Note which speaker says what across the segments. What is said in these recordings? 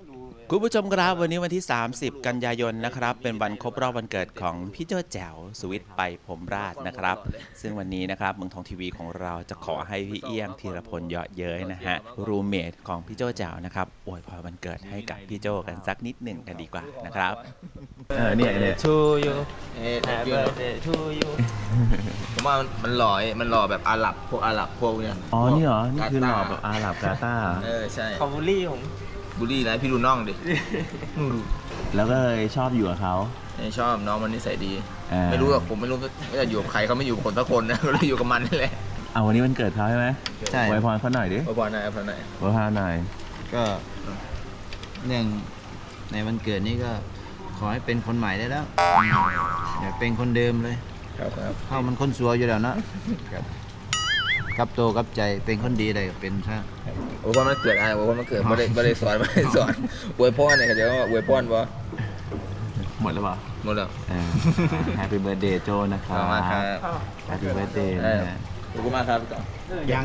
Speaker 1: คุณผู้ชมครับวันนี้วันที่ 30 กันยายนนะครับเป็นวันครบรอบวันเกิดของพี่โจ้แจ๋วสวิตไปผมราชนะครับซึ่งวันนี้นะครับเมืองทองทีวีของเราจะขอให้พี่เอี้ยงธีรพลเยาะเย้ยนะฮะรูเมทของพี่โจ้แจ๋วนะครับอวยพรวันเกิดให้กับพี่โจ้กันสักนิดหนึ่งกันดีกว่านะครับเนี่ย
Speaker 2: to you
Speaker 3: Happy birthday
Speaker 2: to you
Speaker 3: ผมว่ามันหล่อแบบอาหรับพวกเนี่ย
Speaker 1: อ๋อนี่เหรอนี่คือหล่อแบบอาหรับกาตาร์
Speaker 3: ใช่
Speaker 2: เขาบูลลี่ผม
Speaker 3: บูลลี่นะพี่ดูน้องดิ
Speaker 1: แล้วก็เลยชอบอยู่กับเขา
Speaker 3: ชอบน้องมันนิสัยดีไม่รู้หรอกผมไม่รู้ว่าจะอยู่กับใครเขาไม่อยู่กับคนสักคนนะเราอยู่กับมันนี่แหละ
Speaker 1: เอาวันนี้วันเกิดเขาใช่ไหม
Speaker 4: ใช่
Speaker 1: อวยพรเขาหน่อยดิ
Speaker 3: พอหน่อยพอหน่อย
Speaker 1: อวยพรหน่อย
Speaker 4: ก็เนื่องในวันเกิดนี้ก็ขอให้เป็นคนใหม่ได้แล้วอย่าเป็นคนเดิมเลย
Speaker 3: ครับ
Speaker 4: เข้ามันคนสัวอยู่แล้วนะกับโตกับใจเป็นคนดีเลยเป็นซะ
Speaker 3: โอ้ยมันเกิดอะไรโอ้ยมันเกิดไม่ได้สอนอวยพรเนี่ยเขาจะว่าอวยพรปะ
Speaker 1: หมดแล้วเปล่า
Speaker 3: หมดแล้ว
Speaker 1: Happy Birthday โจนะครับ
Speaker 3: ขอบคุณมากครับ
Speaker 1: Happy Birthday นะฮะ
Speaker 3: ขอบคุณมากครับพี่ต่อ
Speaker 4: ยัง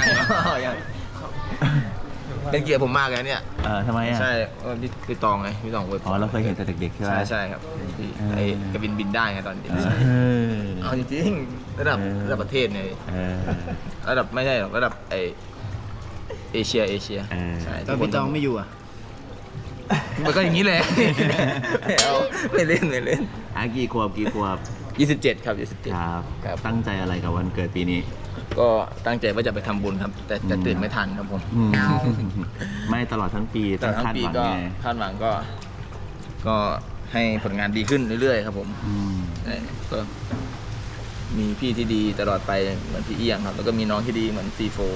Speaker 3: เป็นเกียรติผมมากเลยเนี่ย
Speaker 1: ทำไมอ่ะ
Speaker 3: ใช่พี่ตองไงพี่ตองอวยพ
Speaker 1: อ๋อ เราเคยเห็นแต่เด็กๆใช่ไหม
Speaker 3: ใช่ครับไอ้กระบินได้ไงตอนเด็กเอาจริงๆระดับประเทศเนี่ย ระดับไม่ใช่หรอกระดับเอเชียใช่
Speaker 4: ตอนพี่ตองไม่อยู่อ่ะ
Speaker 3: มันก็อย่างนี้เลยไม่เล่น
Speaker 1: กี่ขวบ
Speaker 3: 27ครับ27
Speaker 1: ครับ ตั้งใจอะไรกับวันเกิดปีนี้
Speaker 3: ก็ตั้งใจว่าจะไปทำบุญครับแต่ตื่นไม่ทันครับผม
Speaker 1: ไม่ตลอดทั้งปี
Speaker 3: แต่ทั้ง
Speaker 1: คาด
Speaker 3: ปี
Speaker 1: หวัง
Speaker 3: ก็
Speaker 1: ไง
Speaker 3: คาดหวังก็ให้ผลงานดีขึ้นเรื่อยๆครับผมก็มีพี่ที่ดีตลอดไปเหมือนพี่เอี้ยงครับแล้วก็มีน้องที่ดีเหมือนซีโฟ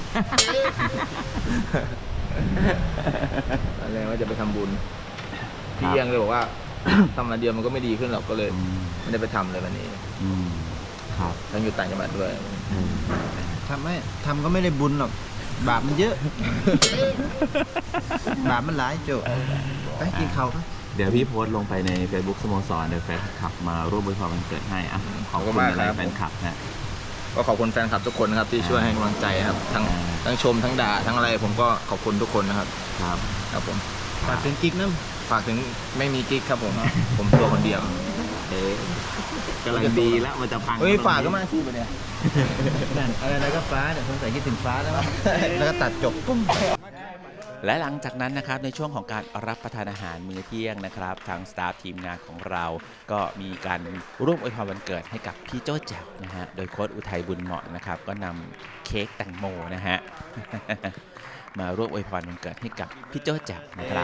Speaker 3: อะไรว่าจะไปทำบุญพี่เอี้ยงเลยบอกว่า ทำมาเดียวมันก็ไม่ดีขึ้นหรอกก็เลยไม่ได้ไปทำเลยวันนี้
Speaker 1: ครับ
Speaker 3: ทั้งอยู่ต่างจังหวัดด้วย
Speaker 4: ทำก็ไม่ได้บุญหรอกบาปมันเยอะ บาปมันหลายโจไปกินข้าวกัน
Speaker 1: เดี๋ยวพี่โพสต์ลงไปใน Facebook สโมสรเดี๋ยวแฟนคลับมาร่วมอวยพรวันเกิดให้อ่ะขอบคุณอะไรแฟนคลับนะ
Speaker 3: ก็ขอบคุณแฟนคลับทุกคนนะครับที่ช่วยให้กำลังใจครับทั้งชมทั้งด่าทั้งอะไรผมก็ขอบคุณทุกคนนะครับครับผม
Speaker 4: ฝากถึงกิ๊กน้
Speaker 3: ฝากถึงไม่มีกิ๊กครับผมผมตัวคนเดียว
Speaker 1: กำลังดีแล้วมันจะพัง
Speaker 3: เฮ้ยฝากก็มาที่ปะเนี่ย
Speaker 4: ำนั่นอะไรก็ฟ้าเนี่ยสงสัยคิดถึงฟ้าแล้วมั้งแล้วก็ตัดจบปุ้ม
Speaker 1: และหลังจากนั้นนะครับในช่วงของการรับประทานอาหารมื้อเที่ยงนะครับทางสตาฟทีมงานของเราก็มีการร่วมอวยพรวันเกิดให้กับพี่โจ้แจ๋วนะฮะโดยโค้ชอุทัยบุญเหมาะนะครับก็นำเค้กแตงโมนะฮะ มาร่วมอวยพรวันเกิดให้กับพี่โจ้แจ๋วนะครับ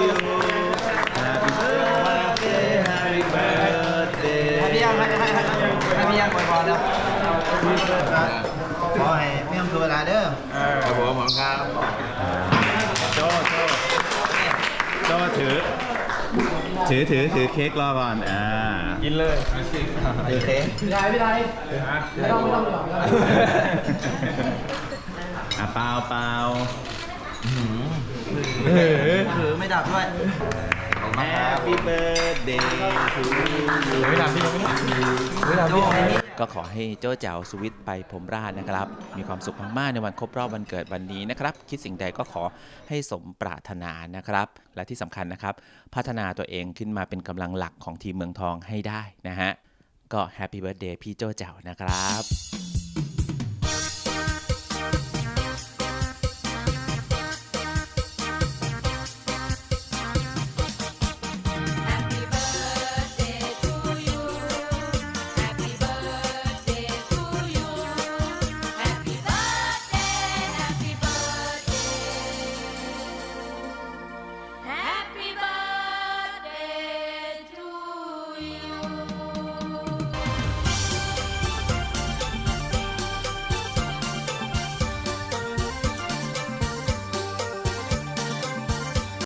Speaker 4: พี่ยังให้พี่ยังอวยพรแล้วขอให้ไม่ทำตัวเวลาเด้อ
Speaker 3: ครับผมหมอครับ
Speaker 1: โจ้ถือเค้กรอก่อน
Speaker 2: กินเลย
Speaker 4: โอเค
Speaker 2: พี่ไทยไม่ต้องหรอก
Speaker 1: เปล่า
Speaker 4: ถือไม่ดับด้วย
Speaker 1: Happy birthday to you
Speaker 2: ไม่ทำพี่ไม่ทำพี่
Speaker 1: ก็ขอให้โจ้แจ๋วสวิตไปผมราชนะครับมีความสุขมากๆในวันครบรอบวันเกิดวันนี้นะครับคิดสิ่งใดก็ขอให้สมปรารถนานะครับและที่สำคัญนะครับพัฒนาตัวเองขึ้นมาเป็นกำลังหลักของทีมเมืองทองให้ได้นะฮะก็ Happy Birthday พี่โจ้แจ๋วนะครับ